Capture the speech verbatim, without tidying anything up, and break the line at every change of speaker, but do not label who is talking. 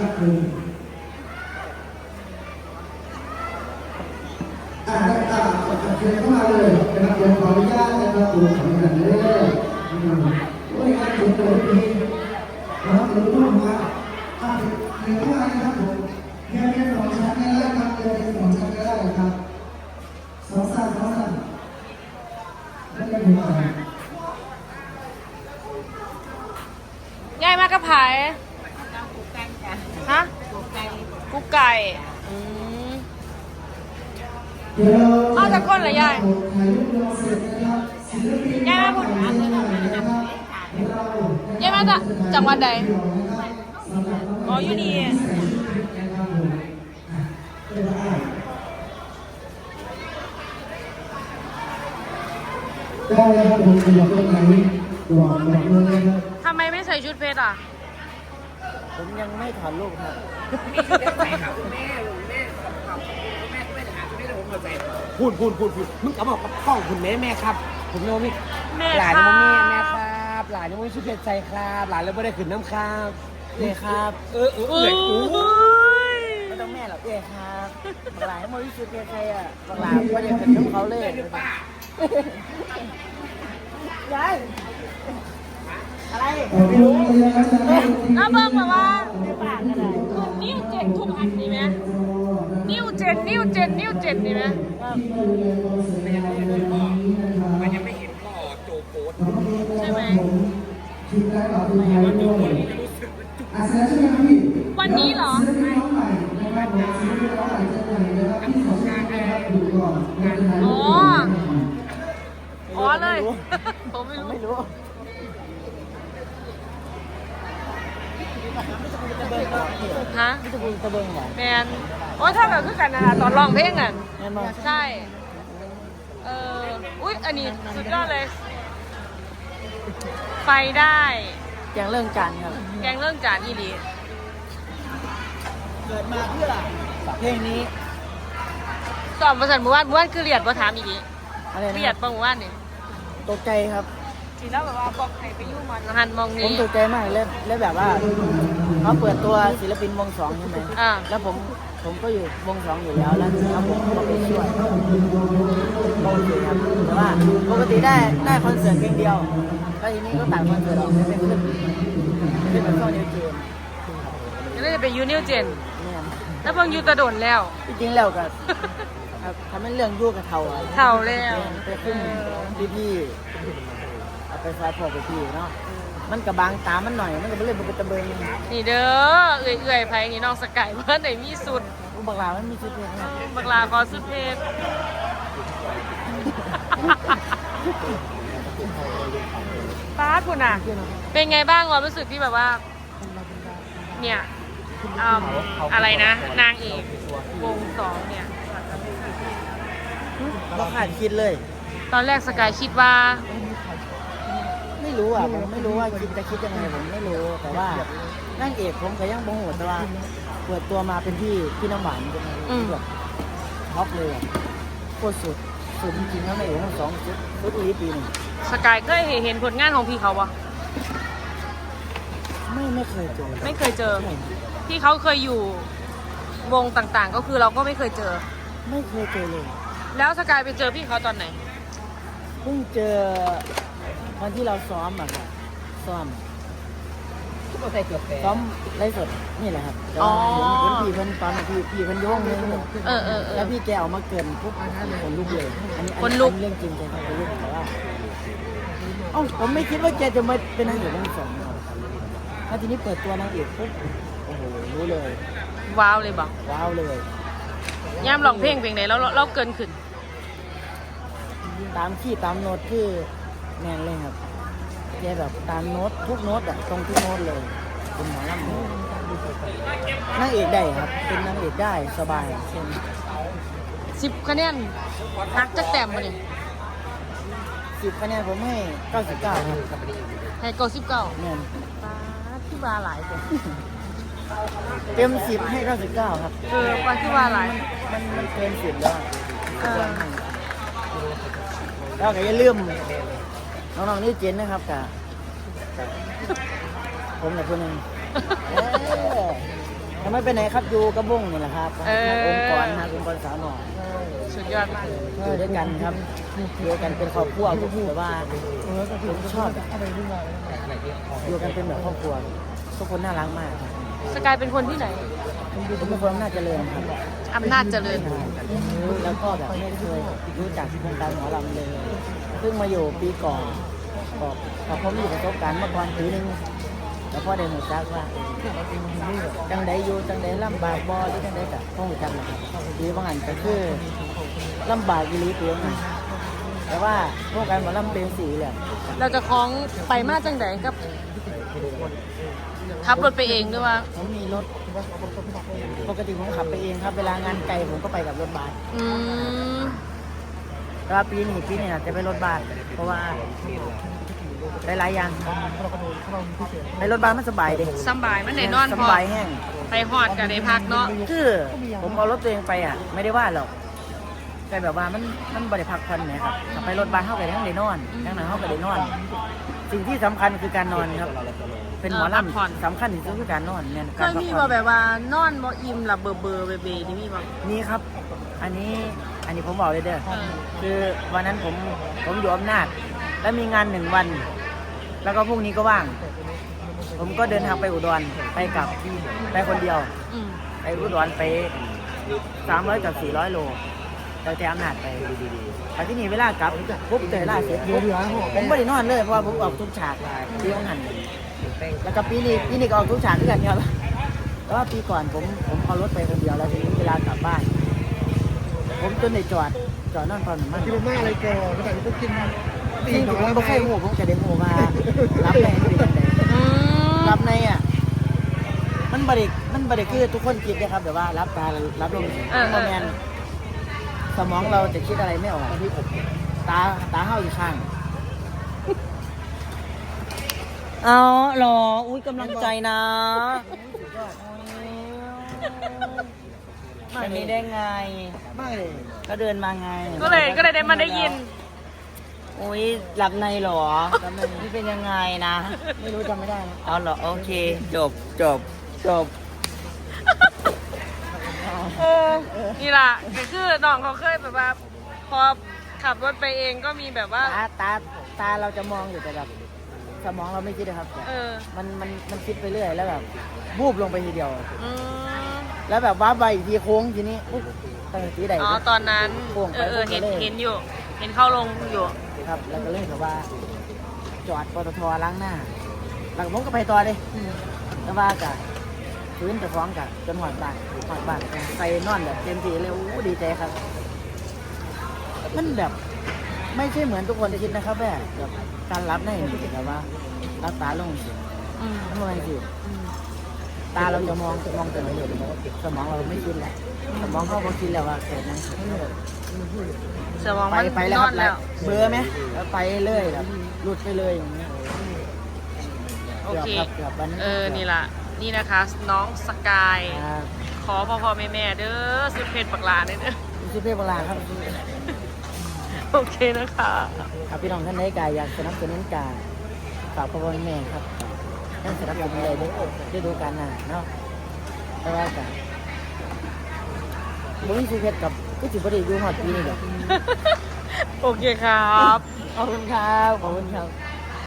นะครับคุณอ่าได้อ่าเชิญเข้ามาเลยนะครับเดี๋ยวขออนุญาตนะครับคุณขออนุญาตเลยว่าการถึงตัวนี้นะครับหรือว่ามาอ่าเชิญเข้ามานะครับผมเพียงแค่สองชั้นก็ได้ครับเพียงแค่สองชั้นก็ได้ครับสองสั้นสองสั้นไม่ได้ถึงอะไร
ยายมากระไผ่ฮะกุ๊กไก่อืมเอาจากก้นเหรอยายยายมาพูดยายมาจากจังหวัดใดอ๋ออยู่นี่
ได้ครับผมขยับรถไหนบอกบอกเลยครับ
ทำไมไม่ใส่ชุดเพชรอ่ะ
ผมยังไม่ถอนลูกครับ พูดพูดพูดพูดมึงก็บอกกับกล้องคุณแม่แม่ครับ ผมโนมิ
แม่
หลาน
ค
ยัง
รั
ไม่
บ
แม่แม่ครับ หลานยังไม่ชุดเพชรใจครับ หลานแล้วไม่ได้ขึ้นน้ำครับเอ้ครับ เออเออเอ
อุ้
อย อู้
ไม่ต้องแม่หรอกเอ้ครับบางหลายโมดิสุดเใครอ่ะบางหลายก็ยังเป็นของเขาเลยยายอะไร
ขอบคุณนะครับ
น้าเบิ้งแบบว่า
ไม่ปากกันเลย
นิ้วเจ็ดทุกอันดีไหมนิ้วเจ็ดนิ้วเจ็ดนิ้วเจ็ดดีไหม
มันยังไม่เห็นพ่อโจโกด
ใช่ไหม
ชุดแรกเราดูไทยทุกคนอาเซียนใช่ไหมครับพี่
วันนี้เหรอ
ศิลปินน้องใหม่นะครับผมศิลปินน้องใหม่เจอใหม่นะครับที่ขอชื่อนะครับดูก่อนงานไทย
อ๋อ อ๋อเลย ผมไม่รู้
ไม่รู้
ฮะ
ไม่จะพูดตะเบิงเหรอ
แมนโอ้ยถ้าแบบคือกันนะตอนร้องเพลงอ่ะ
แม่นบอก
ใช่ เอออุ๊ย อันนี้สุดยอดเลย ไฟได้
อย่างเรื่องการครับ
แกงเรื่องจานอีหลี
เกิดมาเพื่อเพลงนี้
สอบประสันหมู่บ้านหมู่บ้านคือเรียดว่าถามอีกที
อะไรนะ
เรียดปะหมู่บ้านนี่
ตกใจครับ
ทีแล้วแบบว่าบอกใครไปยุ่งมันหันมอง
ผม
นี้
ตกใจมากเลยแล้วแบบว่าเขาเปิดตัวศิลปินวงสองใช่ไหม
อ่า
แล้วผมผมก็อยู่วงสองอยู่แล้วแล้วแล้วผมก็ไปช่วยปกติครับแต่ว่าปกติได้ได้คอนเสิร์ตเพลงเดียวแล้วทีนี้ก็ตัดคอนเสิร์ตออกไม่เป็นขึ้นขึ้นเป็นช่วงนิวเจน
ก็เลยไปยูนิวเจน
เนี่ย
แล้วเพิ่งยูตะโดนแล้ว
จริงๆแล้วก็ครับทำให้เรื่องยุ่กับเทาอะ
เท่าแล้ว
ไปขึ้นพี่พี่ๆเอาไปฟาดพอไปพี่เนาะมันกับบางตามันหน่อยมันก็ไม่เล่นมันเป็นตะเบิง
นี่เด้อ เอื่อยเอื่อยๆไผนี่น้องสกายเพื่อนไหนมีสุด
อุบักลามันมีชุดเพลงครับ
บักลาขอสุดเพชร ป้าดคุณอ่ะ เป็นไงบ้างความรู้สึกที่แบบว่า เนี่ยอืมอะไรนะ นางเอกวงสองเนี่ย
เราขาดคิดเลย
ตอนแรกสกายคิดว่า
ไม่รู้อ่ะผมไม่รู้ว่าคิดจะคิดยังไงผมไม่รู้แต่ว่านั่งเอกผมก็ยังโมโหแต่ว่าเปิดตัวมาเป็นพี่พี่น้ำหวานเป็น
อืม
แบบท็อปเลยอะโคตรสุดสุดจริงๆแล้วในเอกทั้งสองชุดชุดอีปีหนึ่ง
สกายเคยเห็นผลงานของพี่เขาปะ
ไม่ไม่เคยเจอ
ไม่เคยเจอ ที่เขาเคยอยู่วงต่างๆ ก็คือเราก็ไม่เคยเจอ
ไม่เคยเจอเลย
แล้วสกายไปเจอพี่เขาตอนไหน
เพิ่งเจอวันที่เราซ้อมอะค่ะซ้อม
ก็ใส่เกือบแปด
ซ้อมไลฟ์สดนี่แหละครับแต่
อ๋อ
ว่าเห็นเห็นพี่เพิ่นตอนนั้นพี่พี่เพิ่นโยงนึง
เออเออเออ
แล้วพี่แกออกมาเกินปุ๊บคนลุกเลยอันนี้อั
คนลุก
อัเรื่องจริงใจคนลุกแต่ว่าเอ้าผมไม่คิดว่าแกจะมาเป็นนางเอกเรื่องสองแล้วทีนี้เปิดตัวนางเอกปุ๊บโอ้โหรู้เลย
ว้าวเลยบอก
ว้าวเลย
ย่ามร้องเพลงเพลงไหนแล้วเราเราเกินขึ้น
ตามที่ตามโน้ตคือแมนเลยครับแกแบบตามโน้ตทุกโน้ตอะตรงทุกโน้ตเลยเป็นหมอลำเลยนางเอกได้ครับ เป็นนางเอกได้สบายเช่น
สิบคะแนนนักจะแต้มมาเนี่ย
สิบคะแนนผมให้เก้าสิบเก้าครับ
ให้เก้าสิบเก้า
แมน
ป้าดที่ว่าหลายคน
เต็มสิบให้เก้าสิบเก้าครับ
เออป้าที่ว่าหลาย
มันมันเกินสิบแล้ว
เออ
แล้วก็อย่าลืมน้องๆนี่เจนนะครับกับผมกับคนหนึ่งเออไม่ไปไหนครับอยู่กระบุ้งนี่แหละครับ
เออ
องค์กรนะองค์กรสาวหน่อย
สุดยอดมากเลย
อยู่ด้วยกันครับอยู่ด้วยกันเป็นครอบครัวแต่ว่าผมชอบแบบอยู่กันเป็นแบบครอบครัวทุกคนน่ารักมากครับ
สกายเป็นคนที่ไหน
ผมเป็นคนน่าเจริญครับ
อำนาจเจริญ
แล้วก็แบบไม่เคยรู้จักวงการหมอลำเลยเพิ่งมาอยู่ปีก่อนก็พอผมมีประสบการณ์มาก่อนปีนึงแล้วพ่อได้หูจักว่าจังใดอยู่จังใดลำบากบ่หรือจังใดกับพ่อหูจักนะครับปีบางอันก็คือลำบากอีหลีเพียงแต่ว่าวงการหมอลำเป็นสีเลย
เราจะคล้องไปมาจังไดกับขับรถไปเองด้วยว่า
ผมมีรถปกติผมขับไปเองครับ เวลางานไกลผมก็ไปกับรถบัส
อืม
แต่ว่าปีนี้ปีนี้อาจจะไปรถบัสเพราะว่าหลายๆอย่างไปรถบัสมันสบายเด็
สบายมันไหนนอน
ส
พอบ
ายแห้ง
ไปหอดกับได้พักเนาะ
คือผมเอารถตัวเองไปอ่ะ ไม่ได้ว่าหรอกแต่แบบว่ามันมันบริพักผ่อนไหมครับถ้าไปรถบัสเข้าไปทั้งได้นอนทั้งนั้นเข้าไปได้นอน สิ่งที่สำคัญคือการนอนครับ เป็นหมอลำสำคัญที่สุดคือการนอนเนี่ย
เคยมีบ่แบบว่านอนบ่อิ่มหลับเบอร์เบอร์เบเบนี่มีบ่
นี่ครับ อันนี้อันนี้ผมบอกเลยเด้อ
เออ
คือวันนั้นผมผมอยู่อำนาจแล้วมีงานหนึ่งวัน แล้วก็พรุ่งนี้ก็ว่าง ผมก็เดินทางไปอุดรไปกลับไปคนเดียว
อืม
ไปอุดรไปสามร้อยกับสี่ร้อยโลเราแต่อำนาจไปไปที่นี่เวลากลับปุ๊บเจอล่าเสร็จปุ๊บผมไม่ได้นอนเลยเพราะว่าผมออกทุกฉากที่ต้องหันแล้วก็ปีนี้ปีนี้ก็ออกทุกฉากด้วยกันครับแต่ว่าปีก่อนผมผมเอารถไปคนเดียวแล้วทีนี้เวลากลับบ้าน ผมจนในจอดจอดนอนตอนมัน
กินมากเลยแกก็แต่ต้องกินตี
จริง
ห
ๆ
น่
ผ
อย
ม
แล้ว
ไม่
ไป
เคยโง่ผมจะได้โง่มารับในเป็นยังไง
อืม
รับในอ่ะมันบริมันบริคือทุกคนคิดนะครับแต่ว่ารับตารับลมคอมเมนสมองเราจะคิดอะไรไม่ออกตาตาเข้าอีกข้างเอาหรออุ้ยกำลังใจนะแบบนี้ได้ไง
ไม่เลย
ก็เดินมาไง
ก็เลยก็เลยได้มาได้ยิน
โอ้ยหลับในเหรอหลับในนี่เป็นยังไงนะ ไม่รู้จำไม่ได้นะเอาเหรอโอเค จบจบจบ
เออนี่ล่ะก็คือน้องเขาเคยแบบว่า พอขับรถไปเองก็มีแบบว่า
ตาตาตาเราจะมองอยู่แต่แบบสมองเราไม่คิดนะครับ
เออ
มันมันมันคิดไปเรื่อยแล้วแบบวูบลงไปทีเดียว
อืม
แล้วแบบว้าใบอีกทีโค้งทีนี้ปุ๊บตั้งทีใด
อ๋อตอนนั้น
โค้ง
เอ
ไป
อเออ
โค้
เห็
ง
น
ไปเลย
เห็นอยู่ เห็นเข้าลงอยู่
ครับ แล้วก็เลยแบบว่า จอดปตทล้างหน้าหลังผมก็ไปต่อเลยแล้วว่ากะพื้นจะฟ้องกะจนหอดบ้านหอดบ้านไปนอนแบบเต็มที่เลยโอ้ดีใจครับ มันแบบไม่ใช่เหมือนทุกคนคิดนะครับแบบแบบการรับในแบบว่ารับตาลงเสีย
อืม
มันไม่สิ
อืม
ตาเราจะมองมองแต่ไม่เห็นสมองเราไม่คิดแหละสมองเขาบอกคิดแล้วว่าเกิดนั้น
สมอง
ไป
มัน
ไปแล้ว
น
ค
อ
รั
น
บ
แล้ว
เบื่อไหมแล้วไปเลยแบบหลุดไปเลยอย่างเงี้ย
โอเค
กืบรับกืบวันนั้น
เออ นี่ล่ะ นี่นะคะ น้องสกาย
ครับ
ขอพ่อพ่อแม่แม่เด้อสุดเพชรปักหลาเด้อ
ชื่อเพชรโบราณครับ
โอเคนะคะ
ครับพี่น้องท่านใดกายอยากสนับสนุนการฝากพ่อพ่อแม่ครับท่านสนับสนุนเลยได้ได้ดูการหน้าเนาะแต่ว่ากันบุ้งชื่อเพชรกับก็ถือว่าได้ดูฮอดปีนี่แหละ
โอเคครับ
ขอบคุณครับขอบคุณครับ